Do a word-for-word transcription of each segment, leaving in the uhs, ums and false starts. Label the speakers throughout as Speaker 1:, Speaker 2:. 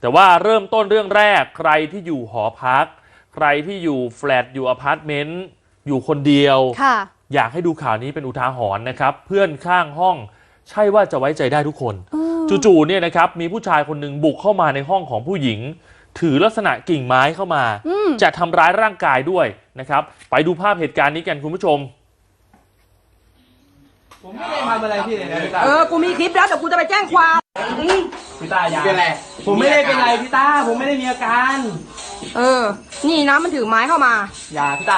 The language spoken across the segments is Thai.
Speaker 1: แต่ว่าเริ่มต้นเรื่องแรกใครที่อยู่หอพักใครที่อยู่แฟลตอยู่อพาร์ตเมนต์อยู่คนเดียวอยากให้ดูข่าวนี้เป็นอุทาหรณ์นะครับเพื่อนข้างห้องใช่ว่าจะไว้ใจได้ทุกคนจู่ๆเนี่ยนะครับมีผู้ชายคนหนึ่งบุกเข้ามาในห้องของผู้หญิงถือลักษณะกิ่งไม้เข้ามาจะทำร้ายร่างกายด้วยนะครับไปดูภาพเหตุการณ์นี้กันคุณผู้ชม
Speaker 2: ผมไม่ได้ทำอะไรพี่เลยนะพี่ตา
Speaker 3: เออกูมีคลิปแล้วเดี๋ยวกูจะไปแจ้งความ
Speaker 2: พี่ตาอย่าเป็นไรผมไม่ได้เป็นไรพี่ตาผมไม่ได้มีอาการ
Speaker 3: เออนี่นะมันถือไม้เข้ามา
Speaker 2: อย่าพี่ตา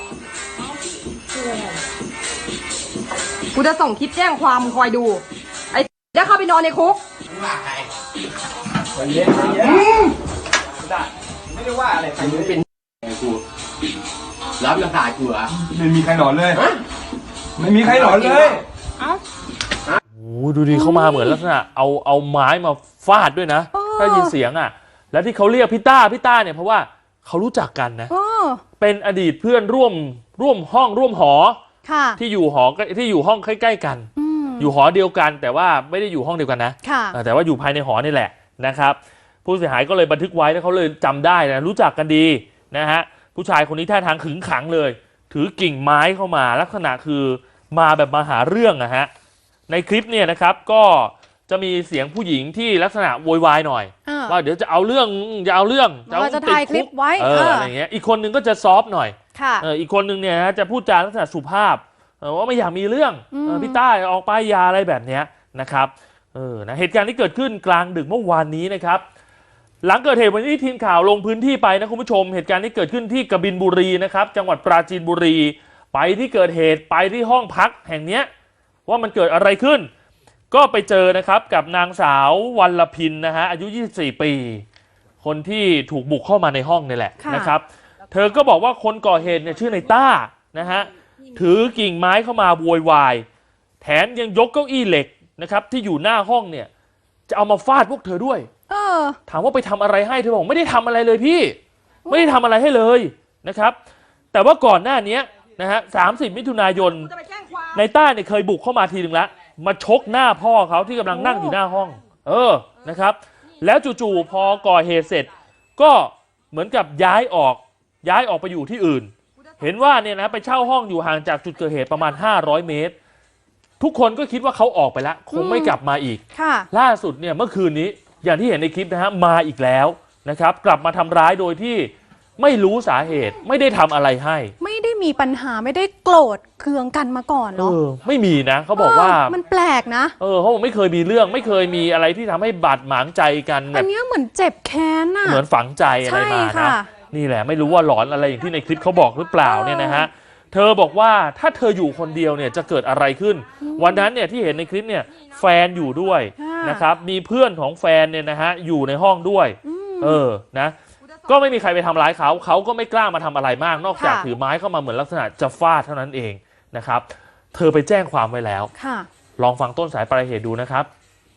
Speaker 3: กูจะส่งคลิปแจ้งความมึงคอยดูไอ้เดี๋ยวเข้าไปนอนในคุก
Speaker 2: ว่าใครเย็นเย็นพี่ตาไม่ได้ว่าอะไรใครไม่เป็นกูรับยังขาดกูเหรอ
Speaker 4: ไม่มีใครหลอนเลยไม่มีใครหลอนเลย
Speaker 1: โอ้ดูดิเข้ามาเหมือนลักษณะเอาเอาไม้มาฟาดด้วยนะถ้ายินเสียงอ่ะแล้วที่เขาเรียกพี่ต้าพี่ต้าเนี่ยเพราะว่าเขารู้จักกันนะเป็นอดีตเพื่อนร่วมร่วมห้องร่วมหอที่อยู่หอที่อยู่ห้องใกล้ๆกันอยู่หอเดียวกันแต่ว่าไม่ได้อยู่ห้องเดียวกันนะแต่ว่าอยู่ภายในหอนี่แหละนะครับผู้เสียหายก็เลยบันทึกไว้แล้วเขาเลยจำได้นะรู้จักกันดีนะฮะผู้ชายคนนี้ท่าทางขึงขังเลยถือกิ่งไม้เข้ามาลักษณะคือมาแบบมาหาเรื่องอะฮะในคลิปเนี่ยนะครับก็จะมีเสียงผู้หญิงที่ลักษณะโวยวายหน่อยว่าเดี๋ยวจะเอาเรื่องจะเอาเรื่อง
Speaker 5: จะเอาติดคุกไว้
Speaker 1: เอออะไรเงี้ยอีกคนนึงก็จะซอฟหน่อยเอออีกคนนึงเนี่ยจะพูดจาลักษณะสุภาพว่าไม่อยากมีเรื่องพี่ต้าออกไปยาอะไรแบบเนี้ยนะครับเออนะเหตุการณ์ที่เกิดขึ้นกลางดึกเมื่อวานนี้นะครับหลังเกิดเหตุวันนี้ทีมข่าวลงพื้นที่ไปนะคุณผู้ชมเหตุการณ์ที่เกิดขึ้นที่กบินบุรีนะครับจังหวัดปราจีนบุรีไปที่เกิดเหตุไปที่ห้องพักแห่งนี้ว่ามันเกิดอะไรขึ้นก็ไปเจอนะครับกับนางสาววัลพินนะฮะอายุยี่สิบสี่ปีคนที่ถูกบุกเข้ามาในห้องนี่แหละนะครับเธอก็บอกว่าคนก่อเหตุเนี่ยชื่อในต้านะฮะถือกิ่งไม้เข้ามาโวยวายแถมยังยกเก้าอี้เหล็กนะครับที่อยู่หน้าห้องเนี่ยจะเอามาฟาดพวกเธอด้วยถามว่าไปทำอะไรให้เธอบอกไม่ได้ทำอะไรเลยพี่ไม่ได้ทำอะไรให้เลยนะครับแต่ว่าก่อนหน้านี้นะฮะสามสิบมิถุนายนในต้าเนี่ยเคยบุกเข้ามาทีหนึ่งแล้วมาชกหน้าพ่อเขาที่กำลังนั่งอยู่หน้าห้องเออนะครับแล้วจู่ๆพอก่อเหตุเสร็จก็เหมือนกับย้ายออกย้ายออกไปอยู่ที่อื่นเห็นว่าเนี่ยนะไปเช่าห้องอยู่ห่างจากจุดเกิดเหตุประมาณห้าร้อยเมตรทุกคนก็คิดว่าเขาออกไปแล้วคงไม่กลับมาอีกล่าสุดเนี่ยเมื่อคืนนี้อย่างที่เห็นในคลิปนะฮะมาอีกแล้วนะครับกลับมาทำร้ายโดยที่ไม่รู้สาเหตุไม่ได้ทำอะไรให้
Speaker 5: ไม่ได้มีปัญหาไม่ได้โกรธเคืองกันมาก่อนเนาะ
Speaker 1: ไม่มีนะเขาบอกว่า
Speaker 5: มันแปลกนะ
Speaker 1: เออเขาบอกไม่เคยมีเรื่องไม่เคยมีอะไรที่ทำให้บาดหมางใจกัน
Speaker 5: อันนี้เหมือนเจ็บแค้นอะ
Speaker 1: เหมือนฝังใจอะไรมานะนี่แหละไม่รู้ว่าหลอนอะไรอย่างที่ในคลิปเขาบอกหรือเปล่าเนี่ยนะฮะเธอบอกว่าถ้าเธออยู่คนเดียวเนี่ยจะเกิดอะไรขึ้นวันนั้นเนี่ยที่เห็นในคลิปเนี่ยแฟนอยู่ด้วยนะครับมีเพื่อนของแฟนเนี่ยนะฮะอยู่ในห้องด้วยเออนะก็ไม่มีใครไปทำร้ายเขาเขาก็ไม่กล้ามาทำอะไรมากนอกจากถือไม้เข้ามาเหมือนลักษณะจะฟาดเท่านั้นเองนะครับเธอไปแจ้งความไว้แล้วลองฟังต้นสายปลายเหตุดูนะครับ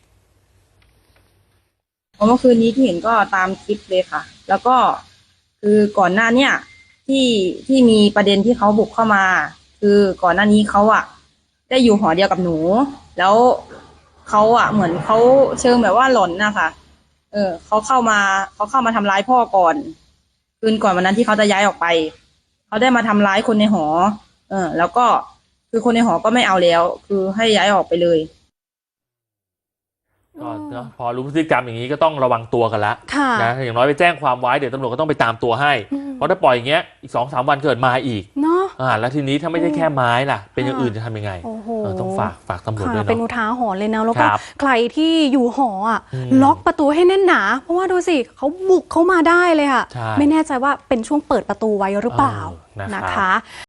Speaker 6: เมื่อคืนนี้ที่เห็นก็ตามคลิปเลยค่ะแล้วก็คือก่อนหน้าเนี่ยที่ที่มีประเด็นที่เขาบุกเข้ามาคือก่อนหน้านี้เขาอะได้อยู่หอเดียวกับหนูแล้วเขาอะเหมือนเขาเชิงแบบว่าหลอนนะคะเออเขาเข้ามาเขาเข้ามาทำร้ายพ่อก่อนคืนก่อนวันนั้นที่เขาจะย้ายออกไปเขาได้มาทำร้ายคนในหอเออแล้วก็คือคนในหอก็ไม่เอาแล้วคือให้ย้ายออกไปเลย
Speaker 1: ก็นะพอรู้พฤติกรรมอย่างนี้ก็ต้องระวังตัวกันละนะอย่างน้อยไปแจ้งความไว้เดี๋ยวตำรวจก็ต้องไปตามตัวให้เพราะถ้าปล่อยอย่างเงี้ยอีกสองสามวันเกิดมาอีกเนาะอ่าแล้วทีนี้ถ้าไม่ใช่แค่ไม้ล่ะเป็นอย่างอื่นจะทำยังไงต้องฝากฝากตำรวจด้วยเนาะ
Speaker 5: เป็นอุทาหรณ์เลยนะแล้วก็ใครที่อยู่หออ่ะล็อกประตูให้แน่นหนาเพราะว่าดูสิเขาบุกเข้ามาได้เลยค่ะไม่แน่ใจว่าเป็นช่วงเปิดประตูไว้หรือเปล่านะคะ